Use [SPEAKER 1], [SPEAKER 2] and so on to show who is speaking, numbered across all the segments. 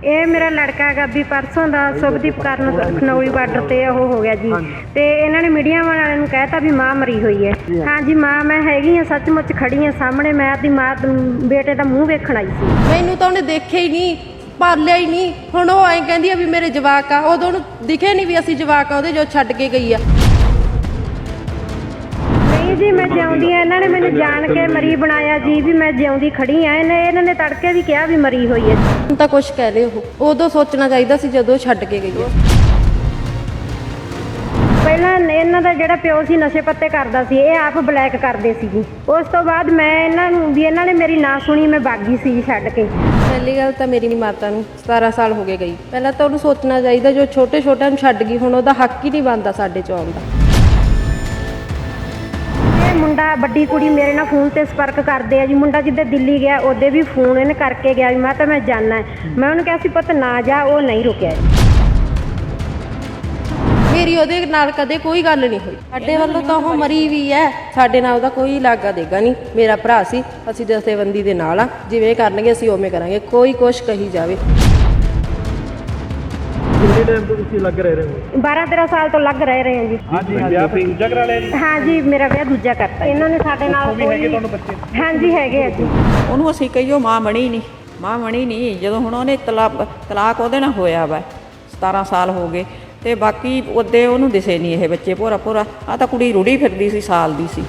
[SPEAKER 1] ਇਹ ਮੇਰਾ ਲੜਕਾ ਹੈਗਾ ਵੀ ਪਰਸੋਂ ਦਾ ਸੁਭਦੀਪ ਕਰਨ ਖਨੌਰੀ ਬਾਰਡਰ ਤੇ ਉਹ ਹੋ ਗਿਆ ਜੀ। ਤੇ ਇਹਨਾਂ ਨੇ ਮੀਡੀਆ ਵਾਲਿਆਂ ਨੂੰ ਕਹਿਤਾ ਵੀ ਮਾਂ ਮਰੀ ਹੋਈ ਹੈ। ਹਾਂਜੀ ਮਾਂ ਮੈਂ ਹੈਗੀ ਆ, ਸੱਚਮੁੱਚ ਖੜੀ ਆ ਸਾਹਮਣੇ। ਮੈਂ ਆਪਣੀ ਮਾਂ ਬੇਟੇ ਦਾ ਮੂੰਹ ਵੇਖਣ ਆਈ ਸੀ।
[SPEAKER 2] ਮੈਨੂੰ ਤਾਂ ਉਹਨੇ ਦੇਖਿਆ ਹੀ ਨਹੀਂ, ਪਾਲਿਆ ਹੀ ਨਹੀਂ। ਹੁਣ ਉਹ ਐਂ ਕਹਿੰਦੀ ਆ ਵੀ ਮੇਰੇ ਜਵਾਕ ਆ, ਉਦੋਂ ਉਹਨੂੰ ਦਿਖੇ ਨਹੀਂ ਵੀ ਅਸੀਂ ਜਵਾਕ ਆ ਉਹਦੇ ਜੋ ਛੱਡ ਕੇ ਗਈ ਆ।
[SPEAKER 1] ਨਹੀਂ ਜੀ ਮੈਂ ਜਿਉਂਦੀ ਆ, ਇਹਨਾਂ ਨੇ ਮੈਨੂੰ ਜਾਣ ਕੇ ਮਰੀ ਬਣਾਇਆ ਜੀ ਵੀ ਮੈਂ ਜਿਉਂਦੀ ਖੜੀ ਆ। ਇਹਨਾਂ ਨੇ ਤੜਕੇ ਵੀ ਕਿਹਾ ਵੀ ਮਰੀ ਹੋਈ ਹੈ।
[SPEAKER 2] ਹੁਣ ਤਾਂ ਕੁਛ ਕਹਿ ਲਏ, ਉਹ ਉਦੋਂ ਸੋਚਣਾ ਚਾਹੀਦਾ ਸੀ ਜਦੋਂ ਛੱਡ ਕੇ ਗਈ ਆ।
[SPEAKER 1] ਪਹਿਲਾਂ ਇਹਨਾਂ ਦਾ ਜਿਹੜਾ ਪਿਓ ਸੀ ਨਸ਼ੇ ਪੱਤੇ ਕਰਦਾ ਸੀ, ਇਹ ਆਪ ਬਲੈਕ ਕਰਦੇ ਸੀ ਜੀ। ਉਸ ਤੋਂ ਬਾਅਦ ਮੈਂ ਇਹਨਾਂ ਨੇ ਮੇਰੀ ਨਾ ਸੁਣੀ, ਮੈਂ ਬਾਗੀ ਸੀ ਜੀ ਛੱਡ ਕੇ।
[SPEAKER 2] ਪਹਿਲੀ ਗੱਲ ਤਾਂ ਮੇਰੀ ਮਾਤਾ ਨੂੰ 17 ਸਾਲ ਹੋ ਗਏ ਗਈ। ਪਹਿਲਾਂ ਤਾਂ ਉਹਨੂੰ ਸੋਚਣਾ ਚਾਹੀਦਾ ਜੋ ਛੋਟੇ ਛੋਟਿਆਂ ਨੂੰ ਛੱਡ ਗਈ, ਹੁਣ ਉਹਦਾ ਹੱਕ ਹੀ ਨਹੀਂ ਬਣਦਾ ਸਾਡੇ 'ਚ ਆਉਣ ਦਾ।
[SPEAKER 1] ਇਹ ਮੁੰਡਾ ਵੱਡੀ ਕੁੜੀ ਮੇਰੇ ਨਾਲ ਫੋਨ ਤੇ ਸੰਪਰਕ ਕਰਦੇ ਆ ਜੀ। ਮੁੰਡਾ ਜਿੱਦਾਂ ਦਿੱਲੀ ਗਿਆ ਉਹਦੇ ਵੀ ਫੋਨ ਇਹਨੇ ਕਰਕੇ ਗਿਆ ਵੀ ਮੈਂ ਜਾਣਾ। ਮੈਂ ਉਹਨੂੰ ਕਿਹਾ ਸੀ ਪੁੱਤ ਨਾ ਜਾ, ਉਹ ਨਹੀਂ ਰੁਕਿਆ।
[SPEAKER 2] ਮੇਰੀ ਉਹਦੇ ਨਾਲ ਕਦੇ ਕੋਈ ਗੱਲ ਨਹੀਂ ਹੋਈ। ਸਾਡੇ ਵੱਲੋਂ ਤਾਂ ਉਹ ਮਰੀ ਵੀ ਹੈ, ਸਾਡੇ ਨਾਲ ਉਹਦਾ ਕੋਈ ਲਾਗਾ ਦੇਗਾ ਨਹੀਂ। ਮੇਰਾ ਭਰਾ ਸੀ, ਅਸੀਂ ਜਥੇਬੰਦੀ ਦੇ ਨਾਲ ਆ। ਜਿਵੇਂ ਕਰਨਗੇ ਅਸੀਂ ਉਵੇਂ ਕਰਾਂਗੇ, ਕੋਈ ਕੁਛ ਕਹੀ ਜਾਵੇ।
[SPEAKER 3] ਕਿੰਨੇ ਟਾਈਮ ਤੋਂ ਤੁਸੀਂ ਲੱਗ ਰਹੇ ਹੋ?
[SPEAKER 1] 12-13 ਸਾਲ ਤੋਂ ਲੱਗ ਰਹੇ ਹਾਂ ਜੀ।
[SPEAKER 3] ਹਾਂਜੀ ਵਿਆਹ ਫਿਰ ਦੂਜਾ ਕਰਾ ਲਿਆ ਜੀ?
[SPEAKER 1] ਹਾਂਜੀ ਮੇਰਾ ਵਿਆਹ ਦੂਜਾ ਕਰਤਾ। ਇਹਨਾਂ ਨੇ ਸਾਡੇ ਨਾਲ
[SPEAKER 3] ਵੀ ਹੈਗੇ ਤੁਹਾਨੂੰ ਬੱਚੇ?
[SPEAKER 1] ਹਾਂਜੀ ਹੈਗੇ ਆ ਜੀ।
[SPEAKER 4] ਉਹਨੂੰ ਅਸੀਂ ਕਹੀਓ ਮਾਂ ਬਣੀ ਨਹੀਂ। ਜਦੋਂ ਹੁਣ ਉਹਨੇ ਤਲਾਕ ਉਹਦੇ ਨਾਲ ਹੋਇਆ ਵਾ, 17 ਸਾਲ ਹੋ ਗਏ ਤੇ ਬਾਕੀ ਉਹਦੇ ਉਹਨੂੰ ਦਿਸੇ ਨਹੀਂ ਇਹ ਬੱਚੇ। ਭੋਰਾ ਆ ਤਾਂ ਕੁੜੀ ਰੁੜੀ ਫਿਰਦੀ ਸੀ, ਸਾਲ ਦੀ ਸੀ।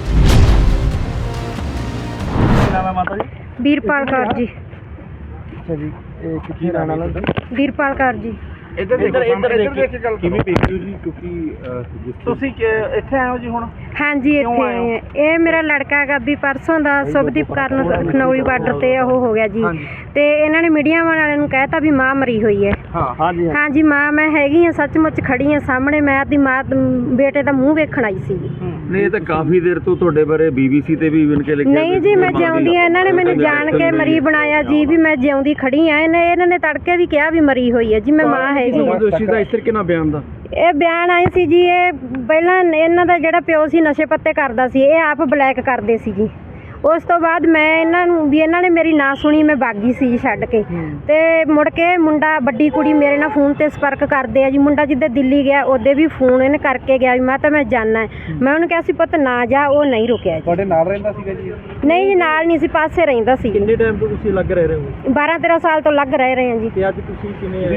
[SPEAKER 3] ਕੀ ਨਾਮ ਹੈ ਮਾਤਾ ਜੀ?
[SPEAKER 1] ਵੀਰਪਾਲ ਕੌਰ ਜੀ।
[SPEAKER 3] ਅੱਛਾ ਜੀ, ਇਹ ਕਿੱਥੇ ਰਹਿਣ ਵਾਲਾ?
[SPEAKER 1] ਵੀਰਪਾਲ ਕੌਰ ਜੀ।
[SPEAKER 3] ਇੱਧਰ ਦੇਖ ਕੇ ਗੱਲ ਕਿਵੇਂ ਦੇਖਿਓ ਜੀ, ਕਿਉਂਕਿ ਤੁਸੀਂ ਇੱਥੇ ਆਏ ਹੋ ਜੀ ਹੁਣ?
[SPEAKER 1] ਹਾਂਜੀ ਇੱਥੇ ਆਏ ਆ। ਇਹ ਮੇਰਾ ਲੜਕਾ ਹੈਗਾ ਵੀ ਪਰਸੋਂ ਦਾ ਸੁਭਦੀਪ ਕਰਨ ਖਨੌਰੀ ਬਾਰਡਰ ਤੇ ਉਹ ਹੋ ਗਿਆ ਜੀ। ਤੇ ਇਹਨਾਂ ਨੇ ਮੀਡੀਆ ਵਾਲਿਆਂ ਨੂੰ ਕਹਿਤਾ ਵੀ ਮਾਂ ਮਰੀ ਹੋਈ ਹੈ। ਹਾਂਜੀ ਮਾਂ ਮੈਂ ਹੈਗੀ ਆ, ਸੱਚਮੁੱਚ ਖੜੀ ਆ ਸਾਹਮਣੇ। ਮੈਂ ਆਪਣੀ ਮਾਂ ਬੇਟੇ ਦਾ ਮੂੰਹ ਵੇਖਣ ਆਈ ਸੀ।
[SPEAKER 5] ਨਹੀਂ ਇਹ ਤਾਂ ਕਾਫੀ ਦੇਰ ਤੋਂ ਤੁਹਾਡੇ ਬਾਰੇ BBC ਤੇ ਵੀ ਇਵਨ ਕੇ ਲਿਖਿਆ।
[SPEAKER 1] ਨਹੀਂ ਜੀ ਮੈਂ ਜਿਉਂਦੀ ਆ, ਇਹਨਾਂ ਨੇ ਮੈਨੂੰ ਜਾਣ ਕੇ ਮਰੀ ਬਣਾਇਆ ਜੀ ਵੀ ਮੈਂ ਜਿਉਂਦੀ ਖੜੀ ਆ। ਇਹਨਾਂ ਨੇ ਤੜਕੇ ਵੀ ਕਿਹਾ ਵੀ ਮਰੀ ਹੋਈ ਹੈ ਜੀ। ਮੈਂ ਮਾਂ ਹੈਗੀ ਆ।
[SPEAKER 3] ਦੋਸ਼ੀ ਦਾ ਇਸ ਤਰੀਕੇ ਨਾਲ ਬਿਆਨ ਦਾ
[SPEAKER 1] ਇਹ ਬਿਆਨ ਆਏ ਸੀ ਜੀ। ਇਹ ਪਹਿਲਾਂ ਇਹਨਾਂ ਦਾ ਜਿਹੜਾ ਪਿਓ ਸੀ ਨਸ਼ੇ ਪੱਤੇ ਕਰਦਾ ਸੀ, ਇਹ ਆਪ ਬਲੈਕ ਕਰਦੇ ਸੀ ਜੀ। ਉਸ ਤੋਂ ਬਾਅਦ ਮੈਂ ਇਹਨਾਂ ਨੇ ਮੇਰੀ ਨਾ ਸੁਣੀ, ਮੈਂ ਬਾਗੀ ਸੀ ਜੀ ਛੱਡ ਕੇ। ਤੇ ਮੁੜ ਕੇ ਮੁੰਡਾ ਵੱਡੀ ਕੁੜੀ ਮੇਰੇ ਨਾਲ ਫੋਨ ਤੇ ਸੰਪਰਕ ਕਰਦੇ ਆ ਜੀ। ਮੁੰਡਾ ਜਿੱਦਾਂ ਦਿੱਲੀ ਗਿਆ ਉਹਦੇ ਵੀ ਫੋਨ ਇਹਨੇ ਕਰਕੇ ਗਿਆ ਵੀ ਮੈਂ ਜਾਣਾ। ਮੈਂ ਉਹਨੂੰ ਕਿਹਾ ਸੀ ਪੁੱਤ ਨਾ ਜਾ, ਉਹ ਨਹੀਂ ਰੁਕਿਆ ਜੀ।
[SPEAKER 3] ਤੁਹਾਡੇ ਨਾਲ ਰਹਿੰਦਾ ਸੀਗਾ ਜੀ?
[SPEAKER 1] ਨਹੀਂ ਜੀ ਨਾਲ ਨਹੀਂ ਸੀ, ਪਾਸੇ ਰਹਿੰਦਾ ਸੀ।
[SPEAKER 3] ਕਿੰਨੇ ਟਾਈਮ ਤੋਂ ਤੁਸੀਂ ਲੱਗ ਰਹੇ ਹੋ?
[SPEAKER 1] 12-13 ਸਾਲ ਤੋਂ ਲੱਗ ਰਹੇ ਹਾਂ ਜੀ।
[SPEAKER 3] ਤੇ ਅੱਜ ਤੁਸੀਂ ਕਿਵੇਂ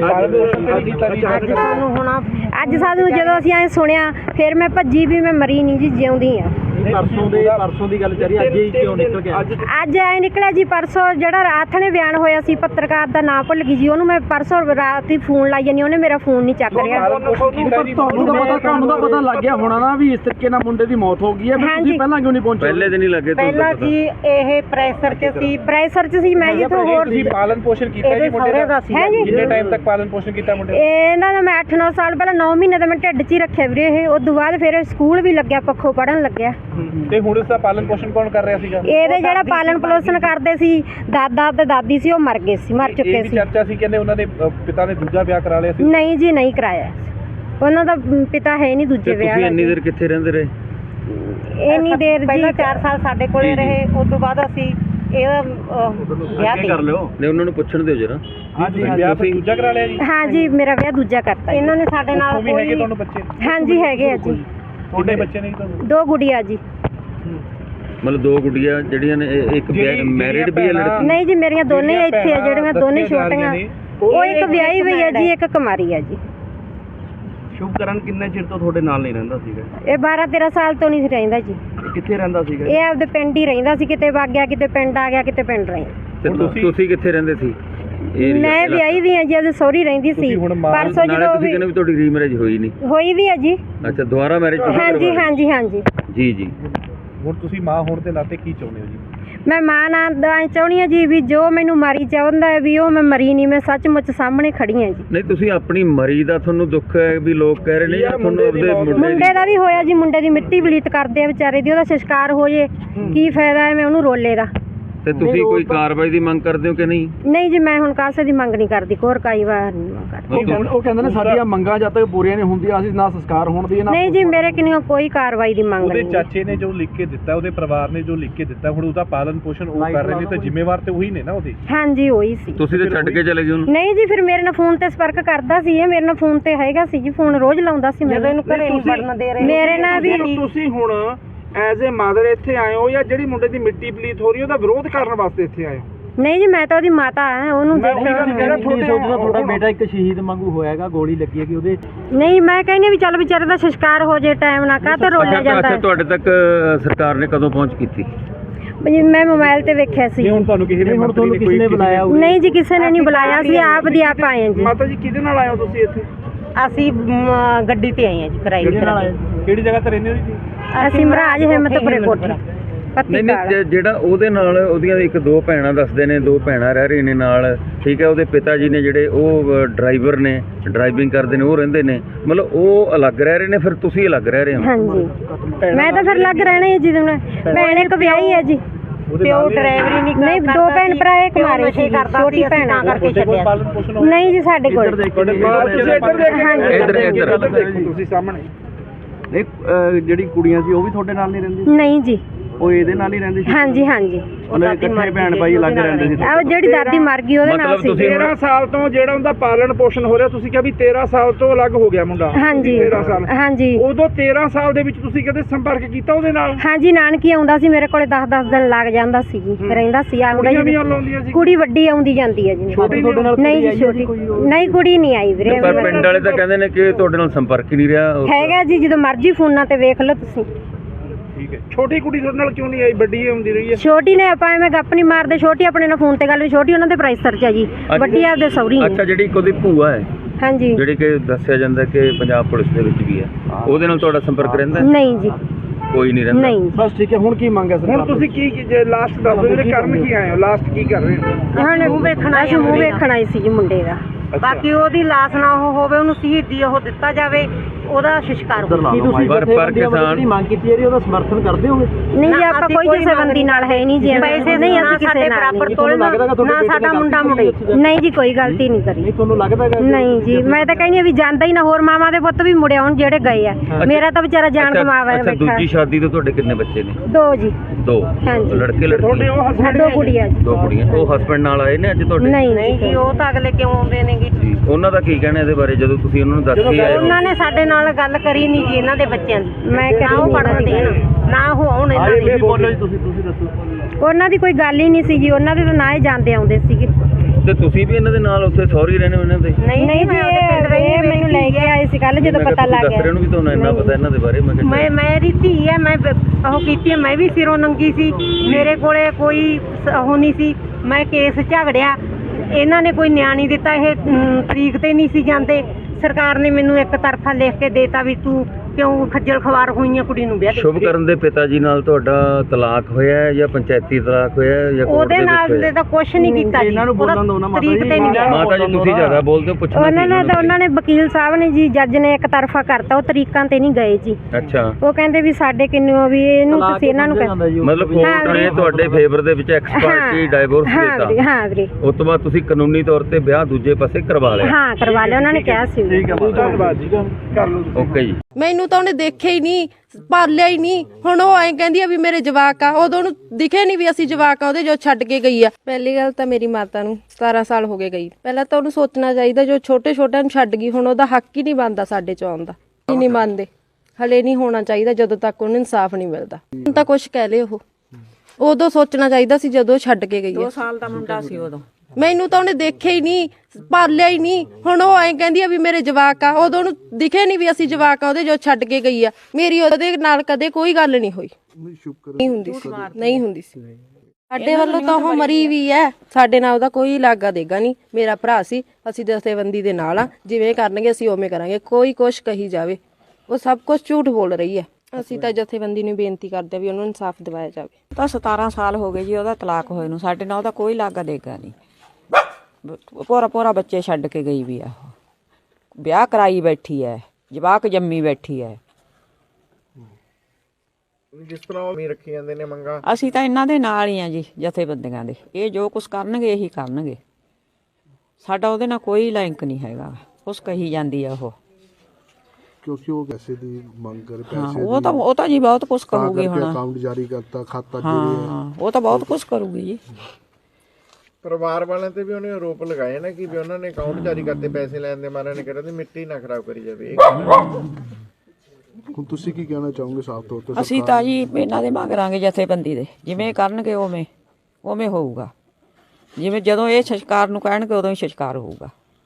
[SPEAKER 1] ਅੱਜ ਸਾਨੂੰ ਜਦੋਂ ਅਸੀਂ ਐਂ ਸੁਣਿਆ ਫਿਰ ਮੈਂ ਭੱਜੀ ਵੀ ਮੈਂ ਮਰੀ ਨਹੀਂ ਜੀ, ਜਿਉਂਦੀ ਆ।
[SPEAKER 3] ਪਰਸੋਂ ਦੀ ਗੱਲ ਚੱਲ ਰਹੀ, ਅੱਜ ਹੀ ਕਿਉਂ ਨਿਕਲ ਗਿਆ?
[SPEAKER 1] ਅੱਜ ਐ ਨਿਕਲਿਆ ਜੀ। ਪਰਸੋਂ ਜਿਹੜਾ ਰਾਤ ਨੇ ਬਿਆਨ ਹੋਇਆ ਸੀ, ਪੱਤਰਕਾਰ ਦਾ ਨਾਮ ਭੁੱਲ ਗਈ ਜੀ। ਉਹਨੂੰ ਮੈਂ ਪਰਸੋਂ ਰਾਤ ਹੀ ਫੋਨ ਲਾਈ ਜਾਨੀ, ਉਹਨੇ ਮੇਰਾ ਫੋਨ ਨਹੀਂ ਚੱਕ ਰਿਹਾ।
[SPEAKER 3] ਤੁਹਾਨੂੰ ਤਾਂ ਪਤਾ ਲੱਗ ਗਿਆ ਹੋਣਾ ਨਾ ਵੀ ਇਸ ਤਰੀਕੇ ਨਾਲ ਮੁੰਡੇ ਦੀ ਮੌਤ ਹੋ ਗਈ ਹੈ। ਤੁਸੀਂ ਪਹਿਲਾਂ ਕਿਉਂ ਨਹੀਂ ਪਹੁੰਚੇ?
[SPEAKER 5] ਪਹਿਲੇ ਦਿਨ ਹੀ ਲੱਗੇ
[SPEAKER 1] ਪਹਿਲਾਂ ਜੀ ਇਹ ਪ੍ਰੈਸ਼ਰ 'ਚ ਸੀ। ਮੈਂ ਜਿੱਥੋਂ ਹੋਰ
[SPEAKER 3] ਤੁਸੀਂ ਪਾਲਣ ਪੋਸ਼ਣ ਕੀਤਾ ਜੀ ਮੁੰਡੇ ਦਾ?
[SPEAKER 1] ਹੈ ਜੀ।
[SPEAKER 3] ਕਿੰਨੇ ਟਾਈਮ ਤੱਕ ਪਾਲਣ ਪੋਸ਼ਣ ਕੀਤਾ ਮੁੰਡੇ ਦਾ?
[SPEAKER 1] ਇਹਨਾਂ ਦਾ ਮੈਂ 8-9 ਸਾਲ ਪਹਿਲਾਂ 9 ਮਹੀਨੇ ਦਾ ਮੈਂ ਢਿੱਡ 'ਚ ਹੀ ਰੱਖਿਆ ਵੀਰੇ ਇਹ। ਉਸ ਤੋਂ ਬਾਅਦ ਫਿਰ ਸਕੂਲ ਵੀ ਲੱਗਿਆ, ਪੱਖੋਂ ਪੜ੍ਹਨ ਲੱਗਿਆ।
[SPEAKER 3] ਤੇ ਹੁਣ ਇਸ ਦਾ ਪਾਲਣ ਪੋਸ਼ਣ ਕੌਣ ਕਰ ਰਿਹਾ ਸੀਗਾ?
[SPEAKER 1] ਇਹਦੇ ਜਿਹੜਾ ਪਾਲਣ ਪੋਸ਼ਣ ਕਰਦੇ ਸੀ ਦਾਦਾ ਤੇ ਦਾਦੀ ਸੀ, ਉਹ ਮਰ ਗਏ ਸੀ, ਮਰ ਚੁੱਕੇ ਸੀ।
[SPEAKER 3] ਚਰਚਾ ਸੀ ਕਹਿੰਦੇ ਉਹਨਾਂ ਦੇ ਪਿਤਾ ਨੇ ਦੂਜਾ ਵਿਆਹ ਕਰਾ ਲਿਆ ਸੀ।
[SPEAKER 1] ਨਹੀਂ ਜੀ ਨਹੀਂ ਕਰਾਇਆ। ਉਹਨਾਂ ਦਾ ਪਿਤਾ ਹੈ ਨਹੀਂ ਦੂਜੇ ਵਿਆਹ।
[SPEAKER 5] ਤੁਸੀਂ ਇੰਨੀ ਦੇਰ ਕਿੱਥੇ ਰਹਿੰਦੇ ਰਹੇ?
[SPEAKER 1] ਇੰਨੀ ਦੇਰ ਜੀ 4 ਸਾਲ ਸਾਡੇ ਕੋਲੇ ਰਹੇ। ਉਸ ਤੋਂ ਬਾਅਦ ਅਸੀਂ ਇਹਦਾ ਵਿਆਹ
[SPEAKER 5] ਕਰ ਲਿਓ। ਨਹੀਂ ਉਹਨਾਂ ਨੂੰ ਪੁੱਛਣ ਦਿਓ ਜਰਾ।
[SPEAKER 3] ਹਾਂਜੀ ਵਿਆਹ ਦੂਜਾ ਕਰਾ ਲਿਆ ਜੀ?
[SPEAKER 1] ਹਾਂਜੀ ਮੇਰਾ ਵਿਆਹ ਦੂਜਾ ਕਰਤਾ। ਇਹਨਾਂ ਨੇ ਸਾਡੇ ਨਾਲ
[SPEAKER 3] ਵੀ ਹੈਗੇ ਤੁਹਾਨੂੰ ਬੱਚੇ?
[SPEAKER 1] ਹਾਂਜੀ ਹੈਗੇ ਆ ਜੀ।
[SPEAKER 3] ਤੁਹਾਡੇ ਬੱਚੇ ਨਹੀਂ ਤੁਹਾਨੂੰ?
[SPEAKER 1] 2 ਗੁੜੀਆਂ ਜੀ।
[SPEAKER 5] ਮਤਲਬ 2 ਗੁੱਡੀਆਂ ਜਿਹੜੀਆਂ ਨੇ, ਇੱਕ ਮੈਰਿਡ ਵੀ ਹੈ ਲੜਕੀ?
[SPEAKER 1] ਨਹੀਂ ਜੀ ਮੇਰੀਆਂ ਦੋਨੇ ਇੱਥੇ ਆ, ਜਿਹੜੀਆਂ ਦੋਨੇ ਛੋਟੀਆਂ। ਉਹ ਇੱਕ ਵਿਆਹੀ ਹੋਈ ਹੈ ਜੀ, ਇੱਕ ਕੁਮਾਰੀ ਹੈ ਜੀ।
[SPEAKER 3] ਸ਼ੁਭਕਰਨ ਕਿੰਨੇ ਚਿਰ ਤੋਂ ਤੁਹਾਡੇ ਨਾਲ ਨਹੀਂ ਰਹਿੰਦਾ ਸੀਗਾ?
[SPEAKER 1] ਇਹ 12-13 ਸਾਲ ਤੋਂ ਨਹੀਂ ਸੀ ਰਹਿੰਦਾ ਜੀ।
[SPEAKER 3] ਕਿੱਥੇ ਰਹਿੰਦਾ ਸੀਗਾ?
[SPEAKER 1] ਇਹ ਆਪਦੇ ਪਿੰਡ ਹੀ ਰਹਿੰਦਾ ਸੀ। ਕਿਤੇ ਵਗ ਗਿਆ, ਕਿਤੇ ਪਿੰਡ ਆ ਗਿਆ, ਕਿਤੇ ਪਿੰਡ ਰਹਿ।
[SPEAKER 5] ਤੇ ਤੁਸੀਂ ਕਿੱਥੇ ਰਹਿੰਦੇ ਸੀ?
[SPEAKER 1] ਮੈਂ ਵਿਆਹੀ ਵੀ ਹਾਂ ਜੀ, ਆਪਦੇ ਸਹੁਰੀ ਰਹਿੰਦੀ ਸੀ। ਪਰਸੋਂ ਜਦੋਂ
[SPEAKER 5] ਤੁਸੀਂ ਕਹਿੰਦੇ ਵੀ ਤੁਹਾਡੀ ਰੀਮੈਰਿਜ ਹੋਈ ਨਹੀਂ?
[SPEAKER 1] ਹੋਈ ਵੀ ਹੈ ਜੀ।
[SPEAKER 5] ਅੱਛਾ ਦੁਬਾਰਾ ਮੈਰਿਜ?
[SPEAKER 1] ਹਾਂਜੀ।
[SPEAKER 5] ਜੀ।
[SPEAKER 3] ਹੁਣ ਤੁਸੀਂ ਮਾਂ ਹੋਣ ਦੇ ਨਾਤੇ ਕੀ ਚਾਹੁੰਦੇ ਹੋ ਜੀ?
[SPEAKER 1] ਮੈਂ ਮਾਂ ਨਾਲ ਚਾਹੁੰਦੀ ਹਾਂ ਜੀ ਵੀ ਜੋ ਮੈਨੂੰ ਮਾਰੀ ਚਾਹੁੰਦਾ ਹੈ ਵੀ ਉਹ ਮੈਂ ਮਰੀ ਨਹੀਂ। ਮੈਂ ਸੱਚਮੁੱਚ ਸਾਹਮਣੇ ਖੜੀ ਹਾਂ ਜੀ।
[SPEAKER 5] ਨਹੀਂ ਤੁਸੀਂ ਆਪਣੀ ਮਰੀ ਦਾ ਤੁਹਾਨੂੰ ਦੁੱਖ ਹੈ ਵੀ ਲੋਕ ਕਹਿ ਰਹੇ ਨੇ ਯਾਰ ਤੁਹਾਨੂੰ ਉਹਦੇ
[SPEAKER 1] ਮੁੰਡੇ ਦਾ ਵੀ ਹੋਇਆ ਜੀ। ਮੁੰਡੇ ਦੀ ਮਿੱਟੀ ਬਲੀਤ ਕਰਦੇ ਆ ਵਿਚਾਰੇ ਦੀ, ਉਹਦਾ ਸੰਸਕਾਰ ਹੋ ਜੇ ਕੀ ਫਾਇਦਾ ਹੈ ਮੈਂ ਉਹਨੂੰ ਰੋਲੇ ਦਾ।
[SPEAKER 5] ਤੇ ਤੁਸੀਂ ਕੋਈ ਕਾਰਵਾਈ ਦੀ ਮੰਗ ਕਰਦੇ ਹੋ ਕਿ ਨਹੀਂ?
[SPEAKER 1] ਨਹੀਂ ਜੀ, ਮੈਂ ਹੁਣ ਕਾਸੇ ਦੀ ਮੰਗ ਨਹੀਂ ਕਰਦੀ, ਹੋਰ ਕਾਈ ਵਾਰ ਨਹੀਂ ਮੰਗ ਕਰਦੀ।
[SPEAKER 3] ਉਹ ਕਹਿੰਦੇ ਨੇ ਸਾਡੀਆਂ ਮੰਗਾਂ ਜਦ ਤੱਕ ਪੂਰੀਆਂ ਨਹੀਂ ਹੁੰਦੀਆਂ ਅਸੀਂ ਨਾ ਸੰਸਕਾਰ ਹੋਣ ਦੀ ਨਾ।
[SPEAKER 1] ਨਹੀਂ ਜੀ, ਮੇਰੇ ਕਿੰਨੀ ਕੋਈ ਕਾਰਵਾਈ ਦੀ ਮੰਗ
[SPEAKER 6] ਉਹਦੇ
[SPEAKER 1] ਨਹੀਂ।
[SPEAKER 6] ਚਾਚੇ ਨੇ ਜੋ ਲਿਖ ਕੇ ਦਿੱਤਾ, ਉਹਦੇ ਪਰਿਵਾਰ ਨੇ ਜੋ ਲਿਖ ਕੇ ਦਿੱਤਾ, ਹੁਣ ਉਹਦਾ ਪਾਲਣ ਪੋਸ਼ਣ ਉਹ ਕਰ ਰਹੇ ਨੇ, ਤਾਂ ਜ਼ਿੰਮੇਵਾਰ ਤੇ ਉਹੀ ਨੇ ਨਾ ਉਹਦੇ।
[SPEAKER 1] ਹਾਂਜੀ, ਉਹੀ ਸੀ।
[SPEAKER 5] ਤੁਸੀਂ ਤੇ ਛੱਡ ਕੇ ਚਲੇ ਗਏ ਉਹਨੂੰ?
[SPEAKER 1] ਨਹੀਂ ਜੀ, ਫਿਰ ਮੇਰੇ ਨਾਲ ਫੋਨ ਤੇ ਸੰਪਰਕ ਕਰਦਾ ਸੀ, ਇਹ ਮੇਰੇ ਨਾਲ ਫੋਨ ਤੇ ਹੈਗਾ ਸੀ ਜੀ, ਫੋਨ ਰੋਜ਼ ਲਾਉਂਦਾ ਸੀ ਮੈਨੂੰ। ਇਹਨੂੰ ਘਰੇ ਨਹੀਂ ਵੜਨ ਦੇ ਰਹੇ ਮੇਰੇ ਨਾਲ ਵੀ।
[SPEAKER 3] ਤੁਸੀਂ ਹੁਣ ਐਜ਼ ਏ ਮਦਰ ਇੱਥੇ ਆਏ ਹੋ ਜਾਂ ਜਿਹੜੀ ਮੁੰਡੇ ਦੀ ਮਿੱਟੀ ਪਲੀਤ ਹੋ ਰਹੀ ਉਹਦਾ ਵਿਰੋਧ ਕਰਨ ਵਾਸਤੇ ਇੱਥੇ ਆਏ ਹੋ?
[SPEAKER 1] ਨਹੀਂ ਜੀ, ਮੈਂ ਤਾਂ ਉਹਦੀ ਮਾਤਾ ਆ, ਉਹਨੂੰ
[SPEAKER 3] ਤੁਹਾਡਾ ਬੇਟਾ ਇੱਕ ਸ਼ਹੀਦ ਵਾਂਗੂ ਹੋਇਆਗਾ, ਗੋਲੀ ਲੱਗੀ ਹੈ ਕਿ ਉਹਦੇ।
[SPEAKER 1] ਨਹੀਂ, ਮੈਂ ਕਹਿੰਦੀ ਵੀ ਚੱਲ ਵਿਚਾਰੇ ਦਾ ਸੰਸਕਾਰ ਹੋ ਜੇ ਟਾਈਮ ਨਾਲ, ਕਾਹ ਤੋਂ ਰੋਲਿਆ ਜਾਂਦਾ
[SPEAKER 5] ਅੱਛਾ,
[SPEAKER 1] ਹੈ।
[SPEAKER 5] ਤੁਹਾਡੇ ਤੱਕ ਸਰਕਾਰ ਨੇ ਕਦੋਂ ਪਹੁੰਚ ਕੀਤੀ?
[SPEAKER 1] ਜੀ, ਮੈਂ ਮੋਬਾਈਲ ਤੇ ਵੇਖਿਆ ਸੀ।
[SPEAKER 3] ਹੁਣ ਤੁਹਾਨੂੰ ਕਿਸੇ ਨੇ ਬੁਲਾਇਆ?
[SPEAKER 1] ਨਹੀਂ ਜੀ, ਕਿਸੇ ਨੇ ਨਹੀਂ ਬੁਲਾਇਆ ਸੀ, ਆਪ ਦੀ ਆਪ ਆਏ ਹਾਂ ਜੀ।
[SPEAKER 3] ਮਾਤਾ ਜੀ ਕਿਹਦੇ ਨਾਲ ਆਏ ਹੋ ਤੁਸੀਂ ਇੱਥੇ?
[SPEAKER 1] ਅਸੀਂ ਗੱਡੀ ਤੇ ਆਏ ਹਾਂ ਜੀ, ਕਿਰਾਏ ਤੇ।
[SPEAKER 3] ਕਿਹੜੀ ਜਗ੍ਹਾ ਤੇ ਰਹਿੰਦੇ ਹੋ ਜੀ?
[SPEAKER 1] ਅਸੀਂ ਮਹਾਰਾਜ ਹਿੰਮਤਪੁਰੇ ਕੋਠੀ
[SPEAKER 5] ਨਹੀਂ ਨਹੀਂ, ਜਿਹੜਾ ਉਹਦੇ ਨਾਲ ਉਹਦੀਆਂ ਇੱਕ ਦੋ ਭੈਣਾਂ ਦੱਸਦੇ ਨੇ, ਦੋ ਭੈਣਾਂ ਰਹਿ ਰਹੀਆਂ ਨੇ ਨਾਲ, ਠੀਕ ਹੈ। ਉਹਦੇ ਪਿਤਾ ਜੀ ਨੇ ਜਿਹੜੇ ਉਹ ਡਰਾਈਵਰ ਨੇ, ਡਰਾਈਵਿੰਗ ਕਰਦੇ ਨੇ, ਉਹ ਰਹਿੰਦੇ ਨੇ, ਮਤਲਬ ਉਹ ਅਲੱਗ ਰਹਿ ਰਹੇ ਨੇ, ਫਿਰ ਤੁਸੀਂ ਅਲੱਗ ਰਹਿ ਰਹੇ ਹੋ?
[SPEAKER 1] ਹਾਂਜੀ, ਮੈਂ ਤਾਂ ਫਿਰ ਲੱਗ ਰਹਿਣਾ ਹੈ ਜੀ। ਭੈਣ ਇੱਕ ਵਿਆਹੀ ਹੈ ਜੀ, ਪਿਓ ਡਰਾਈਵਰੀ ਨਹੀਂ, ਦੋ ਭੈਣ ਭਰਾ ਇੱਕ ਮਾਰੇ ਸੀ, ਛੋਟੀ ਭੈਣ ਕਰਕੇ ਛੱਡਿਆ। ਨਹੀਂ ਜੀ, ਸਾਡੇ ਕੋਲ।
[SPEAKER 3] ਤੁਸੀਂ ਸਾਹਮਣੇ ਨਹੀਂ, ਜਿਹੜੀ ਕੁੜੀਆਂ ਸੀ ਉਹ ਵੀ ਤੁਹਾਡੇ ਨਾਲ ਨਹੀਂ ਰਹਿੰਦੀ?
[SPEAKER 1] ਨਹੀਂ ਜੀ,
[SPEAKER 3] ਉਹ ਇਹਦੇ ਨਾਲ ਹੀ ਰਹਿੰਦੀ ਸੀ?
[SPEAKER 1] ਹਾਂਜੀ ਹਾਂਜੀ,
[SPEAKER 3] ਉਹਨਾਂ ਦੇ ਇਕੱਠੇ ਭੈਣ ਭਾਈ ਅਲੱਗ ਰਹਿੰਦੇ ਸੀ?
[SPEAKER 1] ਉਹ ਜਿਹੜੀ ਦਾਦੀ ਮਰ ਗਈ ਉਹਦੇ ਨਾਲ ਸੀ।
[SPEAKER 3] 13 ਸਾਲ ਤੋਂ ਜਿਹੜਾ ਉਹਦਾ ਪਾਲਣ ਪੋਸ਼ਣ ਹੋ ਰਿਹਾ, ਤੁਸੀਂ ਕਿਹਾ ਵੀ 13 ਸਾਲ ਤੋਂ ਅਲੱਗ ਹੋ ਗਿਆ ਮੁੰਡਾ।
[SPEAKER 1] ਹਾਂਜੀ
[SPEAKER 3] 13 ਸਾਲ।
[SPEAKER 1] ਹਾਂਜੀ,
[SPEAKER 3] ਉਦੋਂ 13 ਸਾਲ ਦੇ ਵਿੱਚ ਤੁਸੀਂ ਕਦੇ ਸੰਪਰਕ ਕੀਤਾ ਉਹਦੇ ਨਾਲ?
[SPEAKER 1] ਹਾਂਜੀ, ਨਾਨਕੀ ਆਉਂਦਾ ਸੀ ਮੇਰੇ ਕੋਲੇ, 10-10 ਦਿਨ ਲੱਗ ਜਾਂਦਾ ਸੀ ਜੀ, ਰਹਿੰਦਾ ਸੀ। ਆਉਂਦਾ ਜੀ, ਕੁੜੀ ਵੱਡੀ ਆਉਂਦੀ ਜਾਂਦੀ ਹੈ ਜੀ। ਨਹੀਂ ਜੀ, ਛੋਟੀ ਨਹੀਂ, ਕੁੜੀ ਨਹੀਂ ਆਈ ਵੀਰੇ।
[SPEAKER 5] ਪਰ ਪਿੰਡ ਵਾਲੇ ਤਾਂ ਕਹਿੰਦੇ ਨੇ ਕਿ ਤੁਹਾਡੇ ਨਾਲ ਸੰਪਰਕ ਹੀ ਨਹੀਂ ਰਿਹਾ।
[SPEAKER 1] ਹੈਗਾ ਜੀ, ਜਦੋਂ ਮਰਜ਼ੀ ਫੋਨਾਂ ਤੇ ਵੇਖ ਲਓ ਤੁਸੀਂ।
[SPEAKER 3] ਠੀਕ ਹੈ। ਛੋਟੀ ਕੁੜੀ ਤੁਹਾਡੇ ਨਾਲ ਕਿਉਂ ਨਹੀਂ ਆਈ? ਵੱਡੀ ਆਉਂਦੀ ਰਹੀ ਹੈ।
[SPEAKER 1] ਛੋਟੀ ਨੇ ਆਪਾਂ ਐਵੇਂ ਗੱਪ ਨਹੀਂ ਮਾਰਦੇ, ਛੋਟੀ ਆਪਣੇ ਨਾਲ ਫੋਨ ਤੇ ਗੱਲ ਵੀ, ਛੋਟੀ ਉਹਨਾਂ ਦੇ ਪ੍ਰਾਈਸ ਸਰਚ ਹੈ ਜੀ, ਵੱਡੀ ਆਪਦੇ ਸਹੁਰੀ।
[SPEAKER 5] ਅੱਛਾ, ਜਿਹੜੀ ਇੱਕ ਉਹਦੀ ਭੂਆ ਹੈ,
[SPEAKER 1] ਹਾਂਜੀ,
[SPEAKER 5] ਜਿਹੜੀ ਕਿ ਦੱਸਿਆ ਜਾਂਦਾ ਕਿ ਪੰਜਾਬ ਪੁਲਿਸ ਦੇ ਵਿੱਚ ਵੀ ਹੈ, ਉਹਦੇ ਨਾਲ ਤੁਹਾਡਾ ਸੰਪਰਕ ਰਹਿੰਦਾ?
[SPEAKER 1] ਨਹੀਂ ਜੀ,
[SPEAKER 5] ਕੋਈ ਨਹੀਂ ਰਹਿੰਦਾ।
[SPEAKER 1] ਨਹੀਂ।
[SPEAKER 3] ਬਸ ਠੀਕ ਹੈ। ਹੁਣ ਕੀ ਮੰਗ ਹੈ ਸਰ? ਹੁਣ ਤੁਸੀਂ ਕੀ ਲਾਸਟ ਦੱਸ ਦਿਓ, ਜਿਹੜੇ ਕਰਨ ਕੀ ਆਏ ਹੋ, ਲਾਸਟ ਕੀ ਕਰ ਰਹੇ ਹੋ?
[SPEAKER 1] ਹੁਣ ਮੂੰਹ ਵੇਖਣ ਆਈ ਸੀ ਜੀ ਮੁੰਡੇ ਦਾ। ਬਾਕੀ ਉਹਦੀ ਲਾਸ਼ ਨਾ ਉਹ ਹੋਵੇ, ਉਹਨੂੰ ਸ਼ਹੀਦੀ ਉਹ ਦਿੱਤਾ ਜਾਵੇ, ਉਹਦਾ ਸੰਸਕਾਰ ਹੋਵੇ।
[SPEAKER 5] ਪਰ ਕਿਸਾਨ
[SPEAKER 3] ਮੰਗ ਕੀਤੀ ਹੈ, ਉਹਦਾ ਸਮਰਥਨ ਕਰਦੇ ਹੋਗੇ?
[SPEAKER 1] ਨਹੀਂ ਜੀ, ਆਪਾਂ ਕੋਈ ਕਿਸੇ ਬੰਦੀ ਨਾਲ ਹੈ ਨਹੀਂ ਜੀ, ਪੈਸੇ ਨਹੀਂ ਅਸੀਂ ਕਿਸੇ ਬਰਾਬਰ ਤੋਲਣਾ ਨਾ, ਸਾਡਾ ਮੁੰਡਾ ਮੁੰਡੇ। ਨਹੀਂ ਜੀ, ਕੋਈ ਗਲਤੀ ਨਹੀਂ ਕਰੀ।
[SPEAKER 3] ਨਹੀਂ, ਤੁਹਾਨੂੰ ਲੱਗਦਾ ਹੈ?
[SPEAKER 1] ਨਹੀਂ ਜੀ, ਮੈਂ ਤਾਂ ਕਹਿੰਦੀ ਆ ਵੀ ਜਾਂਦਾ ਹੀ ਨਾ, ਹੋਰ ਮਾਵਾਂ ਦੇ ਪੁੱਤ ਵੀ ਮੁੜੇ ਆਉਣ ਜਿਹੜੇ ਗਏ ਆ। ਮੇਰਾ ਤਾਂ ਵਿਚਾਰਾ ਜਾਣ ਕਮਾਵਾ
[SPEAKER 5] ਅੱਛਾ, ਦੂਜੀ ਸ਼ਾਦੀ ਤੋਂ ਤੁਹਾਡੇ ਕਿੰਨੇ ਬੱਚੇ ਨੇ?
[SPEAKER 1] 2 ਜੀ।
[SPEAKER 5] 2?
[SPEAKER 1] ਹਾਂਜੀ।
[SPEAKER 5] ਲੜਕੇ ਲੜਕੀਆਂ?
[SPEAKER 1] 2 ਕੁੜੀਆਂ ਜੀ।
[SPEAKER 5] 2 ਕੁੜੀਆਂ। ਉਹ ਹਸਬੰਡ ਨਾਲ ਆਏ ਨੇ ਅੱਜ ਤੁਹਾਡੇ?
[SPEAKER 1] ਨਹੀਂ ਜੀ, ਉਹ ਤਾਂ ਅਗਲੇ ਕਿਉਂ ਆਉਂਦੇ ਨੇਗੇ
[SPEAKER 5] ਜੀ। ਉਹਨਾਂ ਦਾ ਕੀ ਕਹਿਣਾ ਇਹਦੇ ਬਾਰੇ ਜਦੋਂ ਤੁਸੀਂ ਉਹਨਾਂ ਨੂੰ ਦੱਸ ਕੇ ਆਏ ਹੋ?
[SPEAKER 1] ਉਹਨਾਂ ਨੇ ਸਾਡੇ ਨਾਲ ਗੱਲ ਕਰੀ ਨਹੀਂ ਜੀ, ਇਹਨਾਂ ਦੇ ਬੱਚਿਆਂ ਦੀ। ਮੈਂ ਕਹਿੰਦਾ ਉਹ ਪੜਨ ਦੇਣ ਨਾ, ਉਹ ਆਉਣ ਇਹਨਾਂ ਦੇ।
[SPEAKER 3] ਬੋਲੋ ਜੀ, ਤੁਸੀਂ ਦੱਸੋ।
[SPEAKER 1] ਉਹਨਾਂ ਦੀ ਕੋਈ ਗੱਲ ਹੀ ਨਹੀਂ ਸੀ ਜੀ, ਉਹਨਾਂ ਦੇ ਤਾਂ ਨਾ ਹੀ ਜਾਂਦੇ ਆਉਂਦੇ ਸੀਗੇ।
[SPEAKER 5] ਤੇ ਤੁਸੀਂ ਵੀ ਇਹਨਾਂ ਦੇ ਨਾਲ ਉੱਥੇ ਸੌਰੀ ਰਹਿੰਦੇ ਹੋ ਇਹਨਾਂ ਦੇ?
[SPEAKER 1] ਨਹੀਂ ਜੀ, ਇਹ ਮੈਨੂੰ ਲੈ ਕੇ ਆਏ ਸੀ ਕੱਲ ਜਦੋਂ ਪਤਾ ਲੱਗ ਗਿਆ।
[SPEAKER 5] ਦੱਸ ਨੂੰ ਵੀ ਤੁਹਾਨੂੰ ਇੰਨਾ ਪਤਾ ਇਹਨਾਂ ਦੇ ਬਾਰੇ?
[SPEAKER 1] ਮੈਂ ਮੇਰੀ ਧੀ ਹੈ, ਮੈਂ ਉਹ ਕੀਤੀ, ਮੈਂ ਵੀ ਸਿਰੋਂ ਨੰਗੀ ਸੀ, ਮੇਰੇ ਕੋਲੇ ਕੋਈ ਉਹ ਨਹੀਂ ਸੀ। ਮੈਂ ਕੇਸ ਝਗੜਿਆ, ਇਹਨਾਂ ਨੇ ਕੋਈ ਨਿਆਂ ਨਹੀਂ ਦਿੱਤਾ। ਇਹ ਤਰੀਕ ਤੇ ਨਹੀਂ ਸੀ ਜਾਂਦੇ। ਸਰਕਾਰ ਨੇ ਮੈਨੂੰ ਇੱਕ ਤਰਫਾ ਲਿਖ ਕੇ ਦੇਤਾ ਵੀ ਤੂੰ ਕਿਉਂ ਖੱਜਲ ਖਵਾਰ ਹੋਈਆਂ, ਕੁੜੀ ਨੂੰ ਵਿਆਹ ਦੇ।
[SPEAKER 5] ਸ਼ੁਭ ਕਰਨ ਦੇ ਪਿਤਾ ਜੀ ਨਾਲ ਤੁਹਾਡਾ ਤਲਾਕ ਹੋਇਆ ਹੈ ਜਾਂ ਪੰਚਾਇਤੀ ਤਲਾਕ ਹੋਇਆ ਹੈ ਜਾਂ ਕੋਰਟ ਦੇ ਵਿੱਚ ਹੋਇਆ?
[SPEAKER 1] ਉਹਦੇ ਨਾਲ ਤਾਂ ਕੁਝ ਨਹੀਂ ਕੀਤਾ ਜੀ,
[SPEAKER 3] ਇਹਨਾਂ ਨੂੰ ਬੋਲਣ ਦਿਓ ਨਾ ਮਾਤਾ
[SPEAKER 1] ਤਰੀਕ ਤੇ ਨਹੀਂ ਗਿਆ।
[SPEAKER 5] ਮਾਤਾ ਜੀ ਤੁਸੀਂ ਜ਼ਿਆਦਾ ਬੋਲਦੇ ਹੋ, ਪੁੱਛਣਾ
[SPEAKER 1] ਉਹਨਾਂ ਨੇ ਵਕੀਲ ਸਾਹਿਬ ਨੇ ਜੀ, ਜੱਜ ਨੇ ਇੱਕ ਤਰਫਾ ਕਰਤਾ, ਉਹ ਤਰੀਕਾਂ ਤੇ ਨਹੀਂ ਗਏ ਜੀ।
[SPEAKER 5] ਅੱਛਾ,
[SPEAKER 1] ਉਹ ਕਹਿੰਦੇ ਵੀ ਸਾਡੇ ਕਿੰਨੂ ਵੀ ਇਹਨੂੰ ਤੁਸੀਂ ਇਹਨਾਂ ਨੂੰ
[SPEAKER 5] ਮਤਲਬ ਕੋਰਟ ਨੇ ਤੁਹਾਡੇ ਫੇਵਰ ਦੇ ਵਿੱਚ ਐਕਸਪਰਟੀ ਡਾਈਵੋਰਸ ਦਿੱਤਾ?
[SPEAKER 1] ਹਾਂ ਵੀਰੇ।
[SPEAKER 5] ਉਸ ਤੋਂ ਬਾਅਦ ਤੁਸੀਂ ਕਾਨੂੰਨੀ ਤੌਰ ਤੇ ਵਿਆਹ ਦੂਜੇ ਪਾਸੇ ਕਰਵਾ ਲਿਆ?
[SPEAKER 1] ਹਾਂ, ਕਰਵਾ ਲਿਆ, ਉਹਨਾਂ ਨੇ ਕਿਹਾ ਸੀ।
[SPEAKER 3] ਠੀਕ ਹੈ, ਧੰਨਵਾਦ ਜੀ, ਕਰ ਲਓ।
[SPEAKER 5] ਓਕੇ ਜੀ।
[SPEAKER 2] ਮੈਨੂੰ ਤਾਂ ਉਹਨੇ ਦੇਖਿਆ ਹੀ ਨਹੀਂ, ਪਾਲਿਆ ਹੀ ਨਹੀਂ। ਹੁਣ ਉਹ ਐਂ ਕਹਿੰਦੀ ਆ ਵੀ ਮੇਰੇ ਜਵਾਕ ਆ, ਉਦੋਂ ਉਹਨੂੰ ਦਿਖੇ ਨਹੀਂ ਵੀ ਅਸੀਂ ਜਵਾਕ ਆ ਉਹਦੇ, ਜੋ ਛੱਡ ਕੇ ਗਈ ਆ। ਪਹਿਲੀ ਗੱਲ ਤਾਂ ਮੇਰੀ ਮਾਤਾ ਨੂੰ 17 ਸਾਲ ਹੋ ਗਏ ਗਈ। ਪਹਿਲਾਂ ਤਾਂ ਉਹਨੂੰ ਸੋਚਣਾ ਚਾਹੀਦਾ, ਜੋ ਛੋਟੇ ਛੋਟਿਆਂ ਨੂੰ ਛੱਡ ਗਈ, ਹੁਣ ਉਹਦਾ ਹੱਕ ਹੀ ਨਹੀਂ ਬਣਦਾ ਸਾਡੇ ਚ ਆਉਣ ਦਾ। ਨਹੀਂ ਮੰਨਦੇ, ਹਲੇ ਨਹੀਂ ਹੋਣਾ ਚਾਹੀਦਾ ਜਦੋਂ ਤੱਕ ਉਹਨੂੰ ਇਨਸਾਫ ਨਹੀਂ ਮਿਲਦਾ। ਹੁਣ ਤਾਂ ਕੁਛ ਕਹਿ ਲਏ, ਉਹ ਉਦੋਂ ਸੋਚਣਾ ਚਾਹੀਦਾ ਸੀ ਜਦੋਂ ਛੱਡ ਕੇ ਗਈ।
[SPEAKER 4] 2 ਸਾਲ ਦਾ ਮੁੰਡਾ ਸੀ ਉਦੋਂ।
[SPEAKER 2] ਮੈਨੂੰ ਤਾਂ ਉਹਨੇ ਦੇਖਿਆ ਹੀ ਨਹੀਂ, ਪਾਲਿਆ ਹੀ ਨਹੀਂ। ਹੁਣ ਉਹ ਐਂ ਕਹਿੰਦੀ ਆ ਵੀ ਮੇਰੇ ਜਵਾਕ ਆ, ਉਦੋਂ ਉਹਨੂੰ ਦਿਖੇ ਨਹੀਂ ਵੀ ਅਸੀਂ ਜਵਾਕ ਆ ਉਹਦੇ, ਜੋ ਛੱਡ ਕੇ ਗਈ ਆ। ਮੇਰੀ ਉਹਦੇ ਨਾਲ ਕਦੇ ਕੋਈ ਗੱਲ ਨਹੀਂ ਹੋਈ, ਨਹੀਂ ਹੁੰਦੀ ਸੀ। ਸਾਡੇ ਵੱਲੋਂ ਤਾਂ ਉਹ ਮਰੀ ਵੀ ਐ, ਸਾਡੇ ਨਾਲ ਉਹਦਾ ਕੋਈ ਲਾਗਾ ਦੇਗਾ ਨਹੀਂ। ਮੇਰਾ ਭਰਾ ਸੀ, ਅਸੀਂ ਜਥੇਬੰਦੀ ਦੇ ਨਾਲ ਆ, ਜਿਵੇਂ ਕਰਨਗੇ ਅਸੀਂ ਉਵੇਂ ਕਰਾਂਗੇ। ਕੋਈ ਕੁਛ ਕਹੀ ਜਾਵੇ, ਉਹ ਸਭ ਕੁਝ ਝੂਠ ਬੋਲ ਰਹੀ ਹੈ। ਅਸੀਂ ਤਾਂ ਜਥੇਬੰਦੀ ਨੂੰ ਬੇਨਤੀ ਕਰਦੇ ਆ ਵੀ ਉਹਨੂੰ ਇਨਸਾਫ ਦਿਵਾਇਆ ਜਾਵੇ।
[SPEAKER 4] ਤਾਂ 17 ਸਾਲ ਹੋ ਗਏ ਜੀ ਉਹਦਾ ਤਲਾਕ ਹੋਏ ਨੂੰ, ਸਾਡੇ ਨਾਲ ਉਹਦਾ ਕੋਈ ਲਾਗਾ ਦੇਗਾ ਨਹੀਂ। ਪੂਰਾ ਬੱਚੇ ਛੱਡ ਕੇ ਗਈ ਵੀ ਆ, ਵਿਆਹ ਕਰਾਈ ਬੈਠੀ ਐ, ਜਵਾਕ ਜੰਮੀ ਬੈਠੀ ਐ।
[SPEAKER 7] ਜਿਸ ਤਰ੍ਹਾਂ ਉਹ ਵੀ ਰੱਖੀ ਜਾਂਦੇ ਨੇ ਮੰਗਾ।
[SPEAKER 4] ਅਸੀਂ ਤਾਂ ਇਹਨਾਂ ਦੇ ਨਾਲ ਹੀ ਆ ਜੀ, ਜਥੇਬੰਦੀਆਂ ਦੇ। ਇਹ ਜੋ ਕੁਝ ਕਰਨਗੇ ਇਹੀ ਕਰਨਗੇ, ਸਾਡਾ ਉਹਦੇ ਨਾਲ ਕੋਈ ਲਿੰਕ ਨਹੀਂ ਹੈਗਾ। ਕੁਛ ਕਹੀ ਜਾਂਦੀ ਆ ਉਹ,
[SPEAKER 8] ਕਿਉਂਕਿ ਉਹ ਪੈਸੇ ਦੀ ਮੰਗ ਕਰ
[SPEAKER 4] ਹਾਂ
[SPEAKER 8] ਪੈਸੇ
[SPEAKER 4] ਉਹ ਤਾਂ ਜੀ ਬਹੁਤ ਕੁਝ ਕਰੂਗੀ ਹੁਣ।
[SPEAKER 8] ਅਕਾਊਂਟ ਜਾਰੀ ਕਰਤਾ, ਖਾਤਾ
[SPEAKER 4] ਹਾਂ ਉਹ ਤਾਂ ਬਹੁਤ ਕੁਝ ਕਰੂਗੀ ਜੀ।
[SPEAKER 7] ਪਰਿਵਾਰ ਵਾਲਿਆਂ ਤੇ ਵੀ ਉਹਨੇ ਆਰੋਪ ਲਗਾਏ ਨਾ ਕਿ ਵੀ ਉਹਨਾਂ ਨੇ ਅਕਾਊਂਟ ਜਾਰੀ ਕਰਤੇ ਪੈਸੇ ਲੈਣ ਦੇ ਮਾਰੇ ਨੇ ਕਿਹਾ ਤੇ ਮਿੱਟੀ ਨਾ ਖਰਾਬ ਕਰੀ ਜਾਵੇ।
[SPEAKER 8] ਹੁਣ ਤੁਸੀਂ ਕੀ ਕਹਿਣਾ ਚਾਹੋਗੇ ਸਾਫ਼ ਤੌਰ ਤੇ?
[SPEAKER 4] ਅਸੀਂ ਤਾਂ ਜੀ ਇਹਨਾਂ ਦੇ ਮੰਗ ਰਾਂਗੇ ਜਥੇਬੰਦੀ ਦੇ, ਜਿਵੇਂ ਕਰਨਗੇ ਉਵੇਂ ਹੋਊਗਾ। ਜਿਵੇਂ ਜਦੋਂ ਇਹ ਸ਼ਸ਼ਕਾਰ ਨੂੰ ਕਹਿਣਗੇ ਉਦੋਂ ਹੀ ਸ਼ਸ਼ਕਾਰ ਹੋਊਗਾ।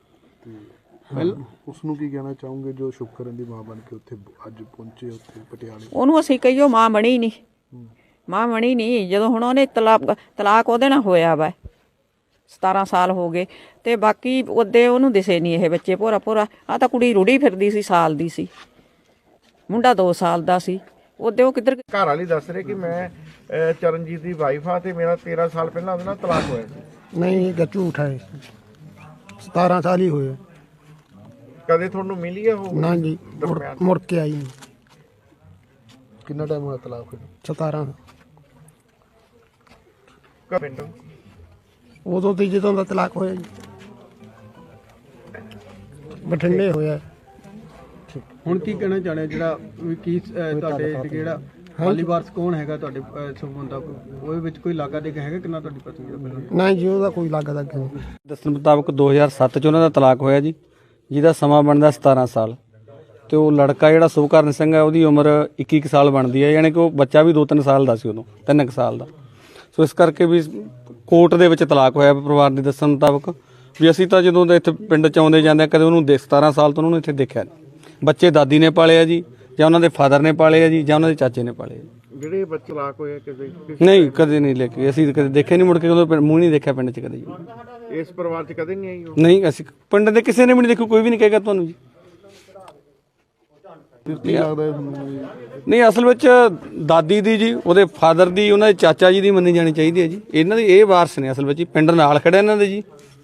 [SPEAKER 8] ਉਸ ਨੂੰ ਕੀ ਕਹਿਣਾ ਚਾਹੋਗੇ ਜੋ ਸ਼ੁਕਰਨ ਦੀ ਮਾਂ ਬਣ ਕੇ ਉੱਥੇ ਅੱਜ ਪਹੁੰਚੇ ਉੱਥੇ ਪਟਿਆਲੇ?
[SPEAKER 4] ਉਹਨੂੰ ਅਸੀਂ ਕਹੀਓ ਮਾਂ ਬਣੀ ਨਹੀਂ। ਜਦੋਂ ਹੁਣ ਉਹਨੇ ਤਲਾਕ ਉਹਦੇ ਨਾਲ ਹੋਇਆ ਵਾ, 17 ਸਾਲ ਹੋ ਗਏ, ਤੇ ਬਾਕੀ ਉਹਦੇ ਉਹਨੂੰ ਦਿਸੇ ਨਹੀਂ ਇਹ ਬੱਚੇ ਭੋਰਾ। ਆ ਤਾਂ ਕੁੜੀ ਰੁੜੀ ਫਿਰਦੀ ਸੀ, ਸਾਲ ਦੀ ਸੀ, ਮੁੰਡਾ 2 ਸਾਲ ਦਾ ਸੀ। ਉਹਦੇ ਉਹ ਕਿੱਧਰ
[SPEAKER 7] ਘਰ ਵਾਲੀ ਦੱਸ ਰਹੇ ਕਿ ਮੈਂ ਚਰਨਜੀਤ ਦੀ ਵਾਈਫ ਆ ਤੇ ਮੇਰਾ 13 ਸਾਲ ਪਹਿਲਾਂ ਉਹਦੇ ਨਾਲ ਤਲਾਕ ਹੋਇਆ ਸੀ।
[SPEAKER 9] ਨਹੀਂ, ਇਹ ਝੂਠ ਹੈ। 17 ਸਾਲ ਹੀ ਹੋਏ।
[SPEAKER 7] ਕਦੇ ਤੁਹਾਨੂੰ ਮਿਲੀ ਆ ਉਹ?
[SPEAKER 9] ਨਾ ਜੀ, ਮੁੜ ਕੇ ਆਈ ਨਹੀਂ।
[SPEAKER 8] ਕਿੰਨਾ ਟਾਈਮ ਹੋਇਆ ਤਲਾਕ ਹੋਏ?
[SPEAKER 9] 17
[SPEAKER 7] ਪਿੰਡ
[SPEAKER 9] ਉਦੋਂ ਤੇ ਜਦੋਂ ਦਾ ਤਲਾਕ ਹੋਇਆ ਜੀ, ਬਠਿੰਡੇ ਹੋਇਆ।
[SPEAKER 10] ਹੁਣ ਕੀ ਕਹਿਣਾ ਚਾਹੁੰਦੇ ਜਿਹੜਾ ਵੀ ਕੀ ਤੁਹਾਡੇ ਜਿਹੜਾ ਹਾਲੀ ਵਾਰਸ ਕੌਣ ਹੈਗਾ ਤੁਹਾਡੇ ਸੰਬੰਧ ਦਾ? ਉਹਦੇ ਵਿੱਚ ਕੋਈ ਲਾਗਾ ਦੇ ਹੈਗਾ ਕਿੰਨਾ ਤੁਹਾਡੀ ਪਤਨੀ ਦਾ ਪਹਿਲਾਂ?
[SPEAKER 9] ਨਹੀਂ ਜੀ, ਉਹਦਾ ਕੋਈ ਲਾਗਾ ਦਾ ਨਹੀਂ।
[SPEAKER 3] ਦੱਸਣ ਮੁਤਾਬਕ 2007 ਚ ਉਹਨਾਂ ਦਾ ਤਲਾਕ ਹੋਇਆ ਜੀ, ਜਿਹਦਾ ਸਮਾਂ ਬਣਦਾ 17 ਸਾਲ। ਤੇ ਉਹ ਲੜਕਾ ਜਿਹੜਾ ਸੁਭਕਰਨ ਸਿੰਘ ਹੈ, ਉਹਦੀ ਉਮਰ 21 ਸਾਲ ਬਣਦੀ ਹੈ, ਯਾਨੀ ਕਿ ਉਹ ਬੱਚਾ ਵੀ 2-3 ਸਾਲ ਦਾ ਸੀ ਉਦੋਂ, 3 ਸਾਲ ਦਾ। ਸੋ ਇਸ ਕਰਕੇ ਵੀ ਕੋਰਟ ਦੇ ਵਿੱਚ ਤਲਾਕ ਹੋਇਆ ਪਰਿਵਾਰ ਦੇ ਦੱਸਣ ਮੁਤਾਬਕ। ਵੀ ਅਸੀਂ ਤਾਂ ਜਦੋਂ ਦੇ ਇੱਥੇ ਪਿੰਡ ਚ ਆਉਂਦੇ ਜਾਂਦੇ ਕਦੇ ਉਹਨੂੰ 17 ਸਾਲ ਤੋਂ ਉਹਨੂੰ ਇੱਥੇ ਦੇਖਿਆ ਨਹੀਂ। ਬੱਚੇ ਦਾਦੀ ਨੇ ਪਾਲੇ ਆ ਜੀ, ਜਾਂ ਉਹਨਾਂ ਦੇ ਫਾਦਰ ਨੇ ਪਾਲੇ ਆ ਜੀ, ਜਾਂ ਉਹਨਾਂ ਦੇ ਚਾਚੇ ਨੇ ਪਾਲੇ ਆ।
[SPEAKER 7] ਜਿਹੜੇ ਬੱਚੇ ਤਲਾਕ ਹੋਏ ਕਿਸੇ
[SPEAKER 3] ਨਹੀਂ, ਕਦੇ ਨਹੀਂ ਲੈ ਕੇ ਅਸੀਂ ਕਦੇ ਦੇਖੇ ਨਹੀਂ, ਮੁੜ ਕੇ ਉਦੋਂ ਮੂੰਹ ਨਹੀਂ ਦੇਖਿਆ ਪਿੰਡ ਚ ਕਦੇ ਜੀ।
[SPEAKER 7] ਇਸ ਪਰਿਵਾਰ 'ਚ ਕਦੇ ਨਹੀਂ ਆਈ ਉਹ?
[SPEAKER 3] ਨਹੀਂ, ਅਸੀਂ ਪਿੰਡ ਦੇ ਕਿਸੇ ਨੇ ਵੀ ਨਹੀਂ ਦੇਖਿਆ, ਕੋਈ ਵੀ ਨਹੀਂ ਕਹੇਗਾ ਤੁਹਾਨੂੰ ਜੀ।
[SPEAKER 8] ਕੀ ਲੱਗਦਾ ਤੁਹਾਨੂੰ?
[SPEAKER 3] ਨਹੀਂ, ਅਸਲ ਵਿੱਚ ਦਾਦੀ ਦੀ ਜੀ, ਉਹਦੇ ਫਾਦਰ ਦੀ, ਉਹਨਾਂ ਦੇ ਚਾਚਾ ਜੀ ਦੀ ਮੰਨੀ ਜਾਣੀ ਚਾਹੀਦੀ ਹੈ ਜੀ। ਇਹਨਾਂ ਦੀ ਇਹ ਵਾਰਸ ਨੇ ਅਸਲ ਵਿੱਚ, ਪਿੰਡ ਨਾਲ ਖੜੇ ਇਹਨਾਂ ਦੇ ਜੀ।